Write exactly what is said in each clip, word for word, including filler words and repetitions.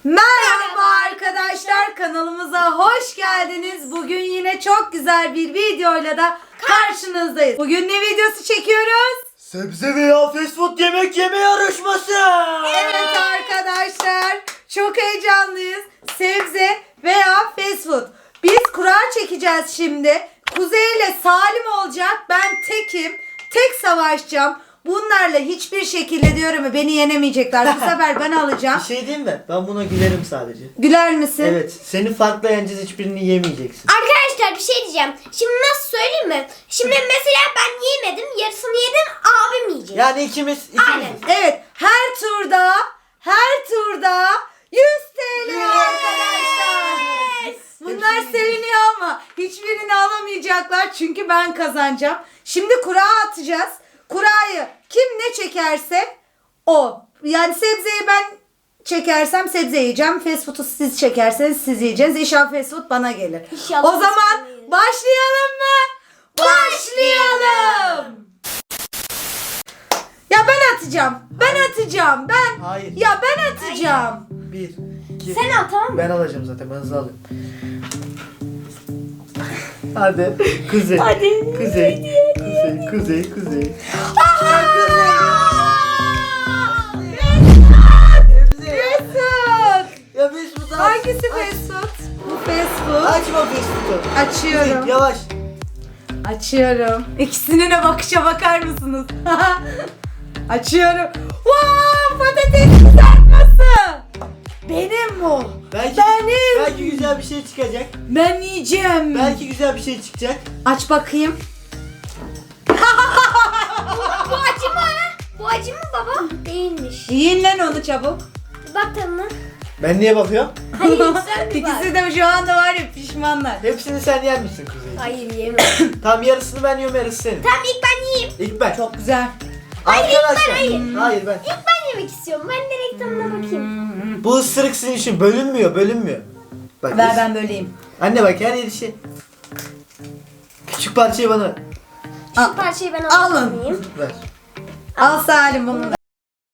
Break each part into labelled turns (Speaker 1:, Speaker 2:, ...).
Speaker 1: Merhaba arkadaşlar, kanalımıza hoş geldiniz. Bugün yine çok güzel bir videoyla da karşınızdayız. Bugün ne videosu çekiyoruz?
Speaker 2: Sebze veya fast food yemek yeme yarışması.
Speaker 1: Evet arkadaşlar, çok heyecanlıyız. Sebze veya fast food. Biz kura çekeceğiz şimdi. Kuzey ile Salim olacak. Ben tekim. Tek savaşacağım. Bunlarla hiçbir şekilde diyorum beni yenemeyecekler. Bu sefer ben alacağım.
Speaker 2: Bir şey diyeyim mi? Ben buna gülerim sadece.
Speaker 1: Güler misin?
Speaker 2: Evet. Seni farklı yeneceğiz, hiçbirini yemeyeceksin.
Speaker 3: Arkadaşlar bir şey diyeceğim. Şimdi nasıl söyleyeyim mi? Şimdi mesela ben yemedim. Yarısını yedim. Abim yiyecek.
Speaker 2: Yani ikimiz, ikimiz.
Speaker 3: Aynen.
Speaker 1: Evet, her turda her turda yüz TL arkadaşlar. Bunlar
Speaker 2: Hepsini
Speaker 1: seviniyor ama hiçbirini alamayacaklar çünkü ben kazanacağım. Şimdi kura atacağız. Kurayı kim ne çekerse o. Yani sebzeyi ben çekersem sebze yiyeceğim. Fast food'u siz çekerseniz siz yiyeceksiniz. İnşallah fast food bana gelir.
Speaker 3: İnşallah
Speaker 1: O zaman
Speaker 3: biz yemeyiz.
Speaker 1: başlayalım mı? Başlayalım. Ya ben atacağım. Ben atacağım. Ben.
Speaker 2: Hayır.
Speaker 1: Ya ben atacağım.
Speaker 2: Bir, iki.
Speaker 3: Sen al, tamam mı?
Speaker 2: Ben alacağım zaten. Ben hızlı alayım. Hadi. Kuzey.
Speaker 3: Hadi.
Speaker 2: Kuzey. Kuzey. Kuzey. Kuzey. Sebze.
Speaker 1: Mesut.
Speaker 2: Ya fast food aç.
Speaker 1: Hangisi
Speaker 2: Aç.
Speaker 1: fast food? Bu fast food.
Speaker 2: Açma fast food'u.
Speaker 1: Açıyorum.
Speaker 2: Kuzey, yavaş.
Speaker 1: Açıyorum. İkisine de bakışa bakar mısınız? Açıyorum. Wow, patates kızartması. Benim bu.
Speaker 2: Belki,
Speaker 1: Benim.
Speaker 2: belki güzel bir şey çıkacak.
Speaker 1: Ben yiyeceğim.
Speaker 2: Belki güzel bir şey çıkacak.
Speaker 1: Aç bakayım.
Speaker 3: Bu acı mı? Bu acı mı baba? Değilmiş.
Speaker 1: Yiyin lan onu çabuk.
Speaker 3: Bak tadına.
Speaker 2: Ben niye bakıyorum?
Speaker 3: Hayır sen bir bak.
Speaker 1: İkisi de şu anda var ya pişmanlar.
Speaker 2: Hepsini sen yer misin Kuzey?
Speaker 3: Hayır yemem.
Speaker 2: Tam yarısını ben yiyorum, yarısı senin.
Speaker 3: Tamam ilk ben yiyeyim.
Speaker 2: İlk ben.
Speaker 1: Çok güzel.
Speaker 2: Arkadaşlar.
Speaker 3: hayır.
Speaker 2: Hayır ben.
Speaker 3: İlk ben yemek istiyorum. Ben direkt tadına bakayım.
Speaker 2: Bu ısırık sizin için bölünmüyor, bölünmüyor. Bak,
Speaker 1: Ver
Speaker 2: biz-
Speaker 1: ben böleyim.
Speaker 2: Anne bak, her yeri şey. Küçük parçayı bana ver.
Speaker 1: Al.
Speaker 3: Şu parçayı ben
Speaker 1: Alın.
Speaker 3: almayayım.
Speaker 2: Ver.
Speaker 1: Al Salim bunu da.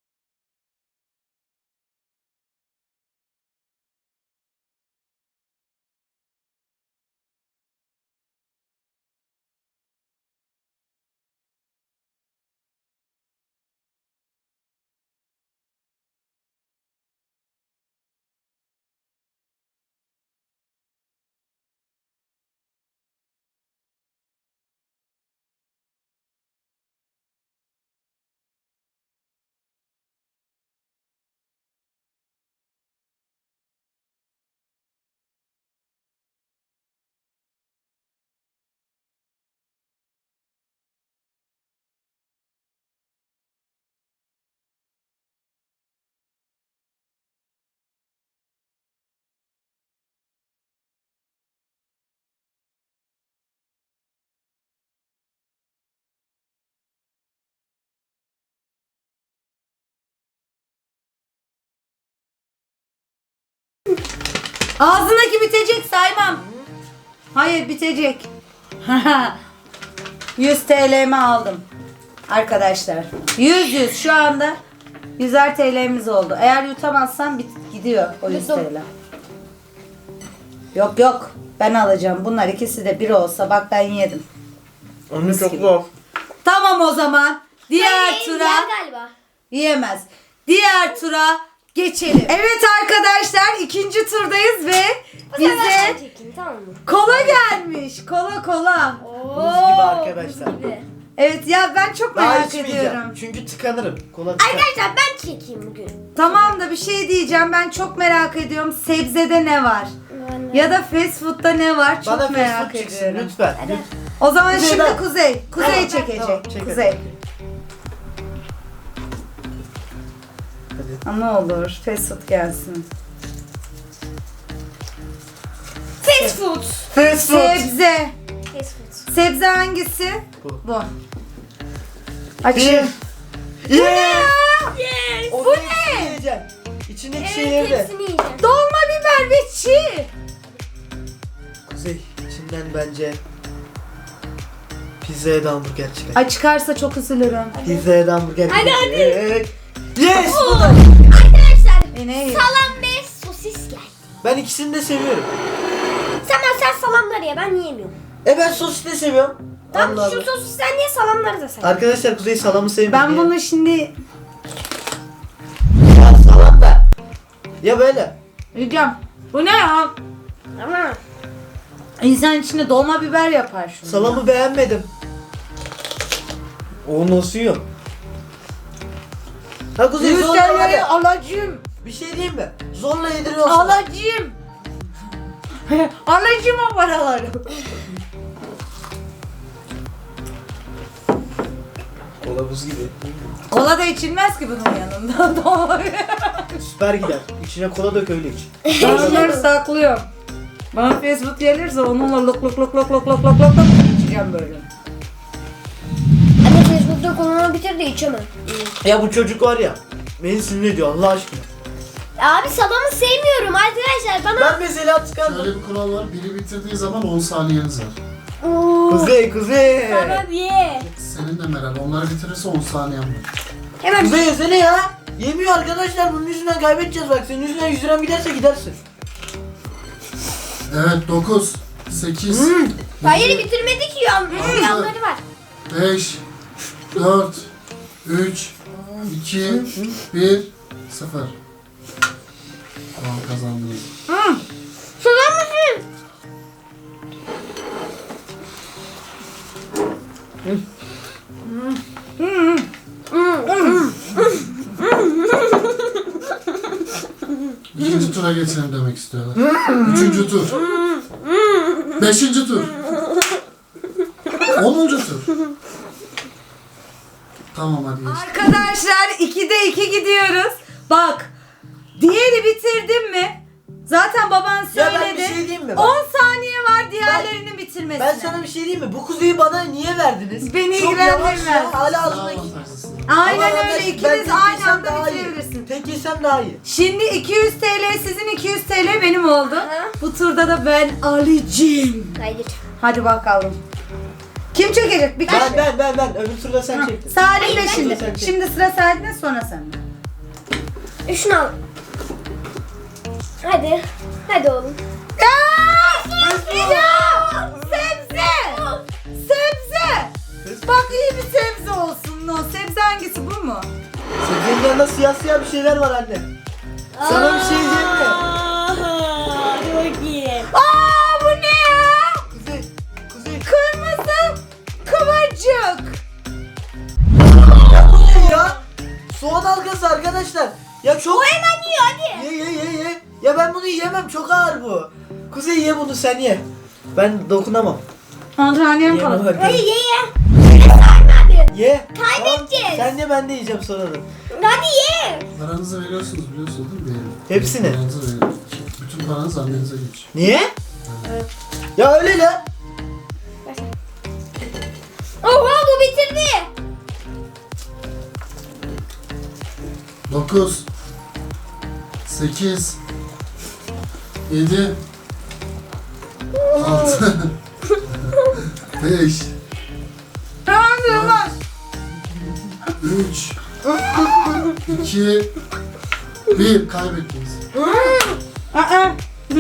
Speaker 1: Ağzındaki bitecek saymam. Hayır bitecek. yüz T L'mi aldım. Arkadaşlar. yüz yüz şu anda yüzer T L'miz oldu. Eğer yutamazsam bit gidiyor o yüz T L. Yok yok. Ben alacağım. Bunlar ikisi de bir olsa bak ben yedim.
Speaker 2: Onun çok
Speaker 1: gibi.
Speaker 2: zor.
Speaker 1: Tamam o zaman. Diğer
Speaker 3: Hayır,
Speaker 1: tura
Speaker 3: yer galiba.
Speaker 1: yiyemez. Diğer tura geçelim. Evet arkadaşlar ikinci turdayız ve
Speaker 3: Bu sefer ben
Speaker 1: bize
Speaker 3: çekeyim, tamam mı?
Speaker 1: kola gelmiş. Kola kola.
Speaker 2: Buz gibi arkadaşlar.
Speaker 3: buz gibi.
Speaker 1: Evet ya ben çok
Speaker 2: Daha
Speaker 1: merak
Speaker 2: içmeyeceğim.
Speaker 1: ediyorum.
Speaker 2: Çünkü tıkanırım. Kola tıkar.
Speaker 3: Arkadaşlar ben çekeyim bugün.
Speaker 1: Tamam da bir şey diyeceğim. Ben çok merak ediyorum. Sebzede ne var?
Speaker 3: Ben de.
Speaker 1: Ya da fast food'da ne var? Çok
Speaker 2: Bana fast
Speaker 1: merak
Speaker 2: food çıksın
Speaker 1: ediyorum.
Speaker 2: lütfen.
Speaker 3: Hadi.
Speaker 2: Lütfen.
Speaker 1: O zaman
Speaker 2: Kuzey
Speaker 1: şimdi
Speaker 2: ben-
Speaker 1: Kuzey. Kuzey
Speaker 2: Tamam,
Speaker 1: çekecek.
Speaker 2: tamam, çek hadi.
Speaker 1: Kuzey.
Speaker 2: Hadi.
Speaker 1: Ha, ne olur fast food gelsin.
Speaker 3: Fast food.
Speaker 2: Fast food.
Speaker 1: Sebze.
Speaker 3: Fast food.
Speaker 1: Sebze hangisi?
Speaker 2: Bu.
Speaker 1: Bu. Açayım.
Speaker 2: Bir. Yeah.
Speaker 3: Yes.
Speaker 2: O
Speaker 1: Bu
Speaker 2: ne?
Speaker 1: ne?
Speaker 2: Yiyeceğim. İçindeki
Speaker 3: Evet
Speaker 2: şeyleri de.
Speaker 3: hepsini yiyeceğim.
Speaker 1: Dolma biber ve çiğ.
Speaker 2: Kuzey, içinden bence pizzaya da hamburger çıkar.
Speaker 1: Ay çıkarsa çok üzülürüm.
Speaker 2: Pizzaya da hamburger
Speaker 3: Hadi,
Speaker 2: çıkar.
Speaker 3: hadi.
Speaker 2: Evet. Yes.
Speaker 3: Oo.
Speaker 2: Bu da.
Speaker 3: Arkadaşlar
Speaker 1: E, ne?
Speaker 3: salam ve sosis
Speaker 2: Ben ikisini de seviyorum.
Speaker 3: Sen sen salamları ye, ben yiyemiyorum.
Speaker 2: E ben sosis de seviyorum.
Speaker 3: Tamam
Speaker 2: Allah
Speaker 3: şu
Speaker 2: Allah.
Speaker 3: sosisten niye salamları da sen?
Speaker 2: Arkadaşlar Kuzey salamı sevmiyor.
Speaker 1: Ben
Speaker 2: Niye?
Speaker 1: bunu şimdi
Speaker 2: Ya salam da. Ya böyle.
Speaker 1: yiyeceğim. Bu ne ya?
Speaker 3: Ama
Speaker 1: İnsan içine dolma biber yapar şunu.
Speaker 2: Salamı beğenmedim. O nasıl yiyor? Ha Kuzey
Speaker 1: Yüz
Speaker 2: zorla
Speaker 1: T L'yi
Speaker 2: hadi.
Speaker 1: alacağım.
Speaker 2: Bir şey diyeyim mi? Zorla yediriyorsun.
Speaker 1: Alacağım. Alacağım o paraları.
Speaker 2: Kola buz gibi.
Speaker 1: Kola da içilmez ki bunun yanında. Dolma biber.
Speaker 2: Süper gider. İçine kola dök öyle iç.
Speaker 1: Ben onları saklıyorum. Bana Facebook gelirse onunla lok lok lok lok lok lok lok lok lok içeceğim böyle.
Speaker 3: anne Facebook'ta konumu bitir de içemem.
Speaker 2: Ya bu çocuk var ya. Beni sinir ediyor Allah aşkına.
Speaker 3: Abi salamı sevmiyorum arkadaşlar bana.
Speaker 2: Ben mesela tıkandım.
Speaker 4: Şöyle bir kural var. Biri bitirdiği zaman on saniyeniz var.
Speaker 3: Oo,
Speaker 2: Kuzey kuzey.
Speaker 3: Tamam ye.
Speaker 4: Senin de Meral. Onları bitirirse on saniyen var.
Speaker 3: Hemen
Speaker 2: Kuzey yesene ya. Yemiyor arkadaşlar bunun yüzünden kaybedeceğiz bak. Senin yüzünden yüz liram giderse gidersin.
Speaker 4: Evet dokuz, sekiz,
Speaker 2: Hmm.
Speaker 3: hayır bitirmedik ya.
Speaker 4: Altı.
Speaker 3: Yanları var.
Speaker 4: beş, dört, üç, iki, bir, sıfır. Tamam kazandınız.
Speaker 3: Sular mısın?
Speaker 4: İkinci tura geçelim demek istiyorlar. Üçüncü tur. Beşinci tur. Onuncu tur. Tamam hadi geç.
Speaker 1: Arkadaşlar ikide iki gidiyoruz. Bak diğeri bitirdim mi? Zaten baban
Speaker 2: Ya ben
Speaker 1: söyledi.
Speaker 2: bir şey diyeyim mi? Bak.
Speaker 1: on saniye var diğerlerinin bitirmesine.
Speaker 2: Ben sana bir şey diyeyim mi? Bu kuzeyi bana niye verdiniz?
Speaker 1: Beni
Speaker 2: Çok
Speaker 1: ilgilendirmez.
Speaker 2: yavaş ya. Hala
Speaker 4: Daha
Speaker 2: ağzındaki.
Speaker 4: avantajlısın.
Speaker 1: Aynen
Speaker 2: Ama
Speaker 1: öyle
Speaker 2: ben- ben
Speaker 1: ikiniz
Speaker 2: tek
Speaker 1: aynı
Speaker 2: yesem
Speaker 1: anda
Speaker 2: daha iyi.
Speaker 1: bitirebilirsin.
Speaker 2: Tek yesem daha iyi.
Speaker 1: Şimdi iki yüz T L sizin iki yüz T L benim oldu. Bu turda da ben alacağım.
Speaker 3: Hayır.
Speaker 1: Hadi bakalım. Kim çekecek? Bir
Speaker 2: Ben
Speaker 1: kişi.
Speaker 2: ben ben ben öbür turda sen çektin.
Speaker 1: Salim
Speaker 3: Hayır,
Speaker 1: de
Speaker 3: ben
Speaker 1: şimdi.
Speaker 2: çektim.
Speaker 1: Şimdi sıra Salim'de sonra sende.
Speaker 3: Şunu al. Hadi. Hadi oğlum.
Speaker 1: Ya! Ya! Sebze! Sebze! Bak iyi bir sebze olsun. O sebze hangisi bu mu?
Speaker 2: Sebzenin yanında siyah siyah bir şeyler var anne. Sana bir şey diyeyim mi?
Speaker 3: Çok iyi.
Speaker 1: Aa bu ne ya?
Speaker 2: Kuzey, kuzey.
Speaker 1: Kırmızı kıvırcık.
Speaker 2: Ya bu ne ya? Soğan halkası arkadaşlar. Ya çok...
Speaker 3: O hemen yiyor hadi.
Speaker 2: Ye ye ye ye. Ya ben bunu yiyemem çok ağır bu. Kuzey ye bunu sen ye. Ben dokunamam.
Speaker 1: Antalya'm
Speaker 2: Ye
Speaker 1: kalın.
Speaker 2: bak.
Speaker 3: Hadi ye ye. Sayma abi.
Speaker 2: Ye.
Speaker 3: Kaybedeceğiz.
Speaker 2: Tamam, sen ye ben de yiyeceğim sonra da.
Speaker 3: Hadi ye.
Speaker 4: Paranızı veriyorsunuz biliyorsunuz değil mi? Benim.
Speaker 2: Hepsini.
Speaker 4: Paranızı verin. Bütün paranız annenize geçiyor.
Speaker 2: Niye? Ya öyle la.
Speaker 3: Oha bu bitirdi.
Speaker 4: dokuz, sekiz, yedi, altı, beş,
Speaker 1: Tamam durmaz.
Speaker 4: üç, iki, bir. Kaybettiniz.
Speaker 1: Aa.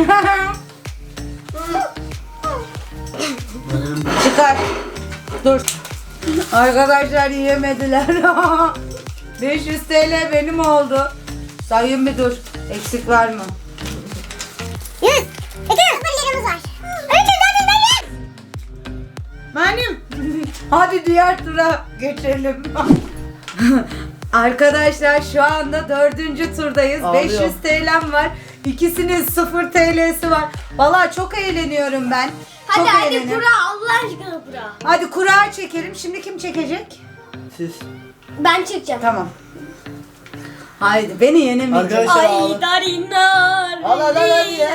Speaker 4: Benim
Speaker 1: Çıkar. Dur. Arkadaşlar yiyemediler. beş yüz T L benim oldu. Sayın bir dur. Eksik var mı?
Speaker 3: yüz. İki sıfır liramız var. üç yüz dört yüz yüz.
Speaker 1: Benim. Hadi diğer tura geçelim. Arkadaşlar şu anda dördüncü turdayız.
Speaker 2: Ağlıyor.
Speaker 1: beş yüz T L'm var. İkisinin sıfır T L'si var. Vallahi çok eğleniyorum ben.
Speaker 3: Hadi
Speaker 1: çok
Speaker 3: hadi
Speaker 1: eğleniyorum.
Speaker 3: kura Allah aşkına kura.
Speaker 1: Hadi kura çekelim. Şimdi kim çekecek?
Speaker 2: Siz.
Speaker 3: Ben çekeceğim.
Speaker 1: Tamam. Haydi beni yenemeyeceksin.
Speaker 2: Arkadaşlar
Speaker 3: Ay
Speaker 2: ağla.
Speaker 3: darinar.
Speaker 2: Al, al, al, hadi ya.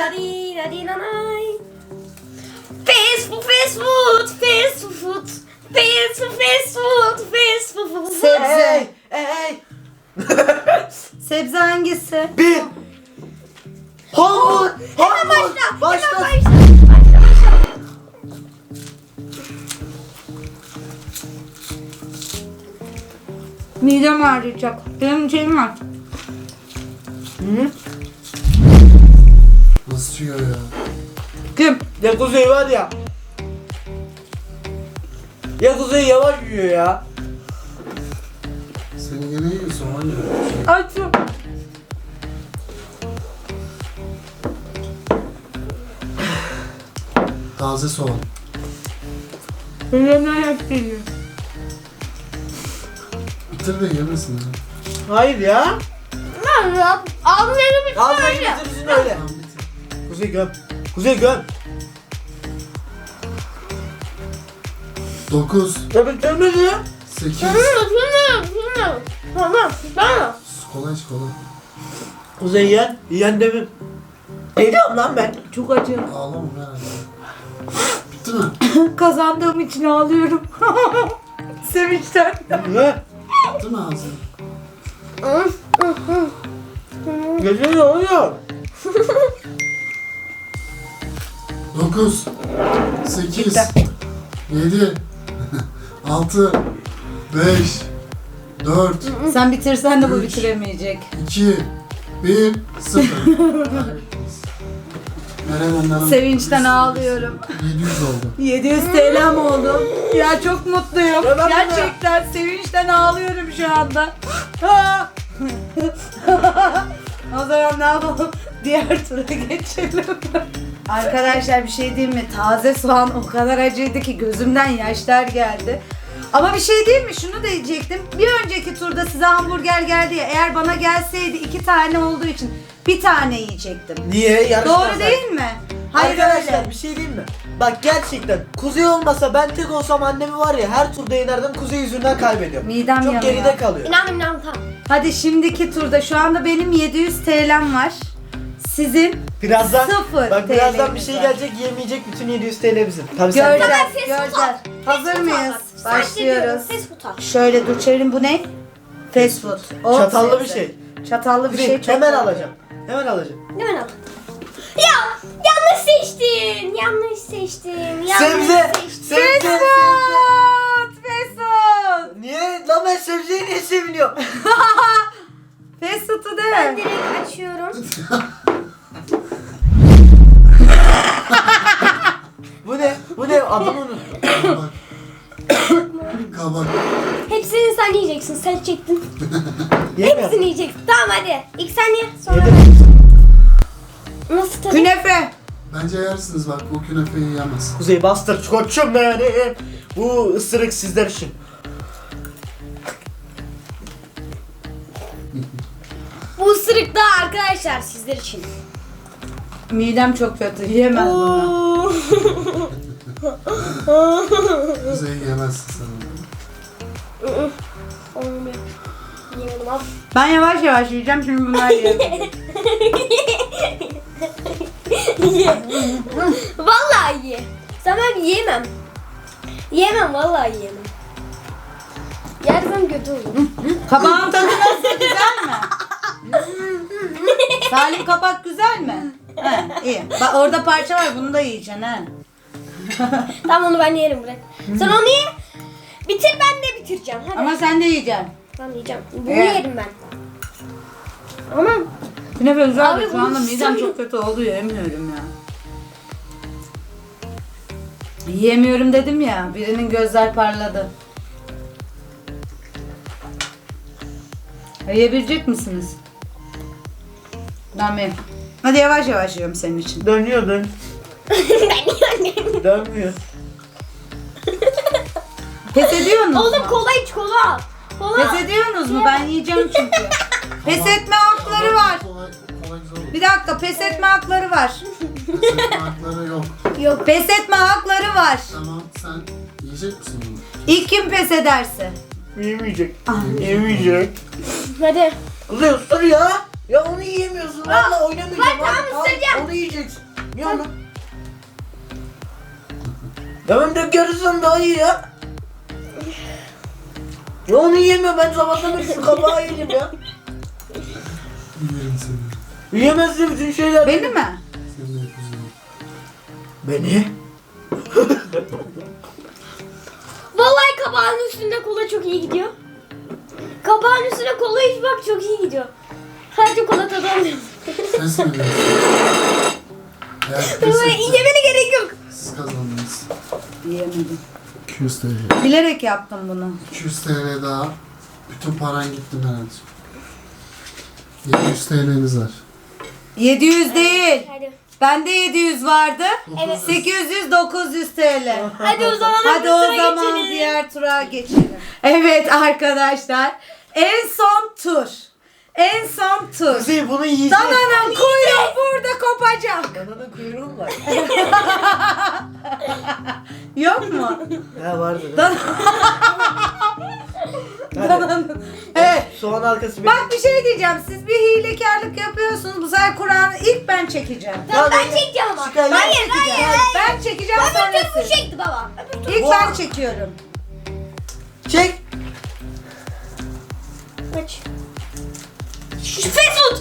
Speaker 3: Fast food, fast food, fast food, fast food, fast food, fast food.
Speaker 1: Sebze.
Speaker 2: Hey hey.
Speaker 1: Sebze hangisi?
Speaker 2: Bir. Hamur.
Speaker 3: Hemen
Speaker 2: Hamur.
Speaker 3: başla.
Speaker 2: Başla.
Speaker 3: Hemen başla. Başla başla.
Speaker 1: Midem ağrıyacak. Benim şeyim var.
Speaker 2: Hı?
Speaker 4: nasıl yiyor ya.
Speaker 1: Kim?
Speaker 2: Ya Kuzey var ya. Ya Kuzey yavaş yiyor ya.
Speaker 4: Seni yine yiyorsun var ya.
Speaker 1: Açım.
Speaker 4: Taze soğan.
Speaker 1: Öyle ayak geliyor.
Speaker 4: Bitir de yemesin ya.
Speaker 2: Hayır ya.
Speaker 3: Lan ya. Ağzını
Speaker 2: Ağzına
Speaker 3: bitirme.
Speaker 2: getirsin öyle.
Speaker 4: Tamam bitir.
Speaker 2: Kuzey göm. Kuzey göm.
Speaker 4: Dokuz.
Speaker 2: Ya bitirmedi ya.
Speaker 4: Sekiz.
Speaker 3: Tamam. Tamam.
Speaker 4: Kola iç kola.
Speaker 2: Kuzey yiyen. Yiyen demin. Ne diyorum lan ben?
Speaker 1: Çok acı.
Speaker 4: Ağlama merak etme. Bitti mi?
Speaker 1: Kazandığım için ağlıyorum. Sevinçten.
Speaker 2: Ne?
Speaker 4: Bitti mi ağzın?
Speaker 2: Gece ne oluyor?
Speaker 4: Dokuz. Sekiz. Yedi. Altı. Beş. Dört.
Speaker 1: Sen bitirsen de bu
Speaker 4: Üç.
Speaker 1: bitiremeyecek.
Speaker 4: İki. Bir. Sıfır. Kaybettiniz. Meral Hanım.
Speaker 1: Sevinçten ağlıyorum.
Speaker 4: yedi yüz oldu.
Speaker 1: yedi yüz T L'm oldu. Ya çok mutluyum.
Speaker 2: Ya ben
Speaker 1: Gerçekten sevinçten ağlıyorum şu anda. Ha! O zaman ne yapalım? Diğer tura geçelim. Arkadaşlar bir şey diyeyim mi? Taze soğan o kadar acıydı ki gözümden yaşlar geldi. Ama bir şey diyeyim mi? Şunu da diyecektim. Bir önceki turda size hamburger geldi ya. Eğer bana gelseydi iki tane olduğu için bir tane yiyecektim.
Speaker 2: Niye? Yarışmaz
Speaker 1: Doğru değil mi? Hayır
Speaker 2: Arkadaşlar
Speaker 1: öyle.
Speaker 2: bir şey diyeyim mi? Bak gerçekten Kuzey olmasa ben tek olsam annemi var ya her turda yenerdim Kuzey yüzünden kaybediyorum.
Speaker 1: Midem
Speaker 2: Çok
Speaker 1: yanıyor.
Speaker 2: geride kalıyor.
Speaker 3: İnanın inanın tamam.
Speaker 1: Hadi şimdiki turda şu anda benim yedi yüz T L'm var. Sizin
Speaker 2: Birazdan
Speaker 1: Sıfır
Speaker 2: bak birazdan bir
Speaker 1: T L'miz
Speaker 2: şey
Speaker 1: var.
Speaker 2: gelecek yemeyecek bütün yedi yüz T L bizim. Tabii sen
Speaker 1: Göreceğiz,
Speaker 3: Tamam, fast food
Speaker 1: göreceğiz.
Speaker 3: al.
Speaker 1: Hazır
Speaker 3: Fast food
Speaker 1: mıyız?
Speaker 3: al.
Speaker 1: Başlıyoruz.
Speaker 3: Fast food al.
Speaker 1: Şöyle dur çevirin, bu ne? Fast food. O
Speaker 2: Çatallı bir
Speaker 1: sebze.
Speaker 2: şey.
Speaker 1: Çatallı bir
Speaker 2: Kuzey,
Speaker 1: şey çok
Speaker 2: hemen
Speaker 1: iyi.
Speaker 2: alacağım. Hemen alacağım.
Speaker 3: Hemen al. Ya yanlış seçtin. Yanlış seçtin. Yanlış
Speaker 2: Sebze.
Speaker 3: seçtin.
Speaker 2: Sebze.
Speaker 1: Fast food! Fast food!
Speaker 2: Niye? Lan ben sebzeyi niye seviniyorum?
Speaker 1: Fast food'u
Speaker 3: Ben
Speaker 1: de.
Speaker 3: direkt açıyorum.
Speaker 2: Bu ne? Bu ne? Adamı unuttum.
Speaker 4: Kabak. Kabak.
Speaker 3: Hepsini sen yiyeceksin. Sen çektin.
Speaker 2: Yemiyorum.
Speaker 3: Hepsini yiyeceksin. Tamam hadi. İlk sen ye. Sonra
Speaker 2: Yedim.
Speaker 3: nasıl tadı?
Speaker 1: Künefe.
Speaker 4: Bence yersiniz bak bu künefeyi yemez.
Speaker 2: Kuzey bastır koçum yani. Bu ısırık sizler için.
Speaker 3: Bu ısırık da arkadaşlar sizler için.
Speaker 1: Midem çok kötü. Yiyemem bunu.
Speaker 4: Kuzey yemezsin sen onu.
Speaker 3: Olmuyor. Yemedim al.
Speaker 1: Ben yavaş yavaş yiyeceğim şimdi bunlar yiyemem.
Speaker 3: Ye. Vallahi ye. Sana yiyemem. Yiyemem vallahi yiyemem. Yersem kötü olur.
Speaker 1: Kabağın tadı nasıl? Güzel mi? Salim kabak güzel mi? He, iyi. Bak orada parça var, bunu da yiyeceksin ha.
Speaker 3: Tamam onu ben yerim bırak. Sen onu ye. Bitir ben de bitireceğim. Hadi.
Speaker 1: Ama sen de yiyeceksin.
Speaker 3: Ben yiyeceğim. Bunu
Speaker 1: Evet.
Speaker 3: yerim ben. Ama
Speaker 1: Künefe güzel
Speaker 3: Abi
Speaker 1: de şu
Speaker 3: bunu
Speaker 1: anda midem
Speaker 3: sen-
Speaker 1: çok kötü oldu, yiyemiyorum ya. Yiyemiyorum dedim ya, birinin gözler parladı. Yiyebilecek misiniz? Tamam. Hadi yavaş yavaş yiyorum senin için.
Speaker 2: Dönüyor dön.
Speaker 3: ben yiyemem.
Speaker 2: Dönmüyor.
Speaker 1: Pes ediyorsunuz
Speaker 3: Oğlum
Speaker 1: mu?
Speaker 3: kola iç kola. Kola.
Speaker 1: Pes ediyorsunuz mu? Ben yiyeceğim çünkü. Pes etme hakları var.
Speaker 4: Kolay, kolay güzel olur.
Speaker 1: Bir dakika, pes etme hakları var.
Speaker 4: Pes etme hakları yok.
Speaker 3: Yok.
Speaker 1: Pes etme hakları var.
Speaker 4: Tamam sen yiyecek misin bunu?
Speaker 1: İlk kim pes ederse.
Speaker 2: Yemeyecek.
Speaker 1: Ah.
Speaker 2: Yemeyecek.
Speaker 3: Hadi.
Speaker 2: Kuzey ısır ya. Ya onu yiyemiyorsun. Valla oynamayacağım.
Speaker 3: Bak, tamam,
Speaker 2: Hadi, al,
Speaker 3: ısıracağım.
Speaker 2: Onu yiyeceksin. Ye onu. Tamam da yarısın daha iyi ya. Ya onu yiyemiyor. Ben sabahtan beri şu kabağı yedim ya.
Speaker 4: Yerim seni.
Speaker 2: Yiyemezsin bütün şeyler.
Speaker 1: Beni mi?
Speaker 4: Seni de kuzeyim.
Speaker 2: Beni?
Speaker 3: Vallahi kabağın üstünde kola çok iyi gidiyor. Kabağın üstüne kola iç bak çok iyi gidiyor. Sadece kola tadı alıyorum.
Speaker 4: Ses mi veriyorsun? Evet, pes etti.
Speaker 3: Yemene gerek yok.
Speaker 4: Siz kazandınız.
Speaker 1: Yiyemedim.
Speaker 4: iki yüz T L.
Speaker 1: Bilerek yaptım bunu.
Speaker 4: iki yüz T L daha. Bütün paran gitti Meral'cığım. yedi yüz T L'niz var.
Speaker 1: yedi yüz değil.
Speaker 3: Hadi.
Speaker 1: Bende yedi yüz vardı.
Speaker 3: Evet.
Speaker 1: sekiz yüz dokuz yüz T L.
Speaker 3: Hadi o zaman
Speaker 1: Hadi
Speaker 3: bir
Speaker 1: o
Speaker 3: tura
Speaker 1: zaman
Speaker 3: geçelim.
Speaker 1: diğer tura geçelim. Evet arkadaşlar. En son tur. En son tur.
Speaker 2: Kuzey bunu yiyecek.
Speaker 1: Dananın kuyruğu burada kopacak.
Speaker 2: Dananın kuyruğu mu var?
Speaker 1: Yok mu?
Speaker 2: Ha vardı.
Speaker 1: Dan
Speaker 2: Hadi.
Speaker 1: Dananın. Evet.
Speaker 2: Soğan halkası benim.
Speaker 1: Bak bir şey diyeceğim. Siz bir hilekarlık yapıyorsunuz. Bu sefer Kur'an'ı ilk ben çekeceğim.
Speaker 3: Tamam, ben
Speaker 2: Hadi.
Speaker 3: çekeceğim ama.
Speaker 2: Çıkar, ben
Speaker 3: Hayır
Speaker 2: çekeceğim.
Speaker 3: hayır.
Speaker 1: Ben çekeceğim
Speaker 3: Öbür
Speaker 1: sonra
Speaker 3: tur bu
Speaker 1: siz.
Speaker 3: çekti baba. Öbür tur.
Speaker 1: İlk
Speaker 2: Bu-
Speaker 1: ben çekiyorum.
Speaker 2: Çek.
Speaker 3: Kaç. Fast food.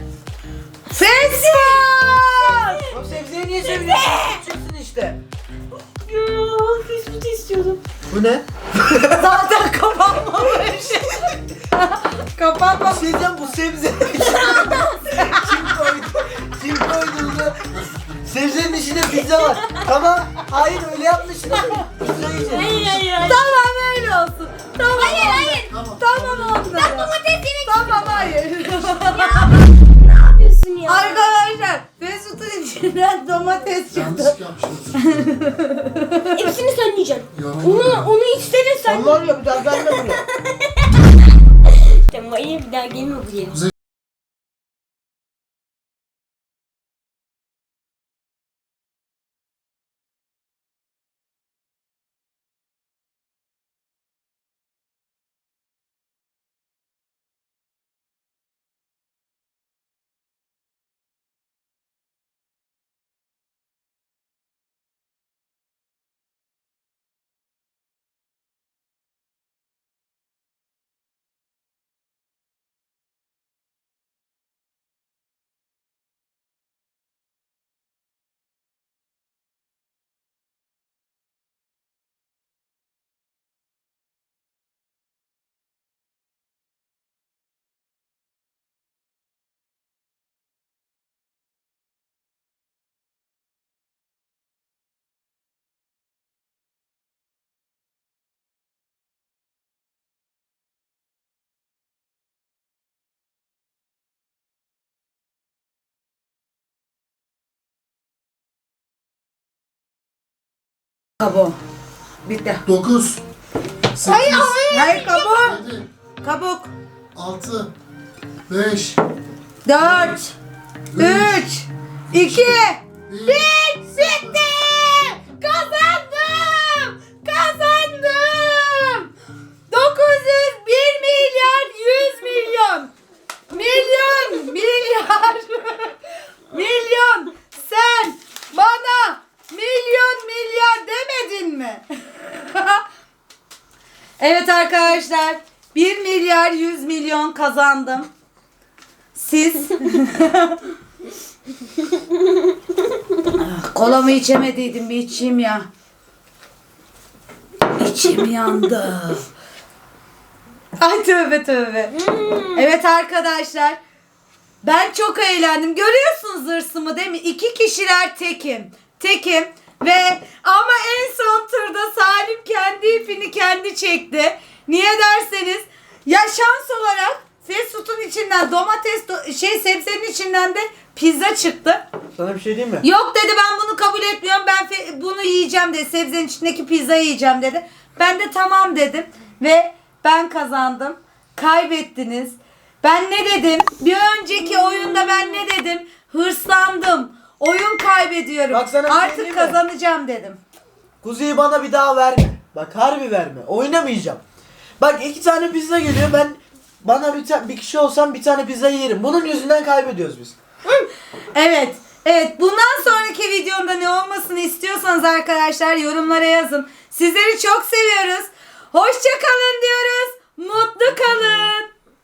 Speaker 1: Facebook!
Speaker 2: O sebzeyi niye söylüyorsun? Çıksın işte.
Speaker 3: Fast food istiyordum.
Speaker 2: Bu ne?
Speaker 1: Zaten kapanmamış. Kapanmamış.
Speaker 2: Bir şey diyeceğim, bu sebze. Kim koydu? Kim koydu bunu? Sebzenin içinde pizza var. Tamam. Hayır öyle yapmışlar. Pizza yiyeceğiz.
Speaker 3: Hayır hayır hayır.
Speaker 1: Tamam öyle olsun. Tamam.
Speaker 3: Hayır hayır.
Speaker 1: Tamam oldu.
Speaker 3: Ben domates yemek
Speaker 1: Tamam hayır.
Speaker 3: Ne yapıyorsun ya?
Speaker 1: Arkadaşlar Mesut'un içinden domates çıktı.
Speaker 4: Yanlış yapmışsınız.
Speaker 3: Hepsini sen yiyeceksin.
Speaker 4: Yorulma.
Speaker 3: Onu, onu istedin sen.
Speaker 2: Allah ya bir daha gelme buraya.
Speaker 3: Tamam hayır bir daha gelme buraya.
Speaker 1: Kabuğu. Bitti.
Speaker 4: dokuz. sekiz.
Speaker 1: Hayır kabuğu.
Speaker 4: yedi.
Speaker 1: Kabuk.
Speaker 4: altı. beş.
Speaker 1: Dört. Üç. iki.
Speaker 4: bir.
Speaker 1: Bitti. Kazandım. Kazandım. dokuz yüz bir milyar yüz milyon. Milyon. Milyar. Milyon. Sen bana milyon milyar demedin mi? Evet arkadaşlar. bir milyar yüz milyon kazandım. Siz Ah, kolamı içemediydim, bir içeyim ya. İçim yandı. Ay tövbe tövbe. Evet arkadaşlar. Ben çok eğlendim. Görüyorsunuz hırsımı değil mi? İki kişiler tekim. Tekim. Ve ama en son turda Salim kendi ipini kendi çekti. Niye derseniz ya şans olarak fast food'un içinden domates do- şey sebzenin içinden de pizza çıktı.
Speaker 2: Sana bir şey diyeyim mi?
Speaker 1: Yok dedi, ben bunu kabul etmiyorum. Ben fe- bunu yiyeceğim dedi. Sebzenin içindeki pizzayı yiyeceğim dedi. Ben de tamam dedim ve ben kazandım. Kaybettiniz. Ben ne dedim? Bir önceki oyunda ben ne dedim? Hırslandım. Oyun kaybediyorum.
Speaker 2: Bak sana bir şey
Speaker 1: Artık
Speaker 2: diyeyim mi?
Speaker 1: kazanacağım dedim.
Speaker 2: Kuzeyi bana bir daha verme. Bak harbi verme. Oynamayacağım. Bak iki tane pizza geliyor. Ben bana bir, ta- bir kişi olsam bir tane pizza yerim. Bunun yüzünden kaybediyoruz biz.
Speaker 1: Evet. Evet. Bundan sonraki videomda ne olmasını istiyorsanız arkadaşlar yorumlara yazın. Sizleri çok seviyoruz. Hoşça kalın diyoruz. Mutlu kalın.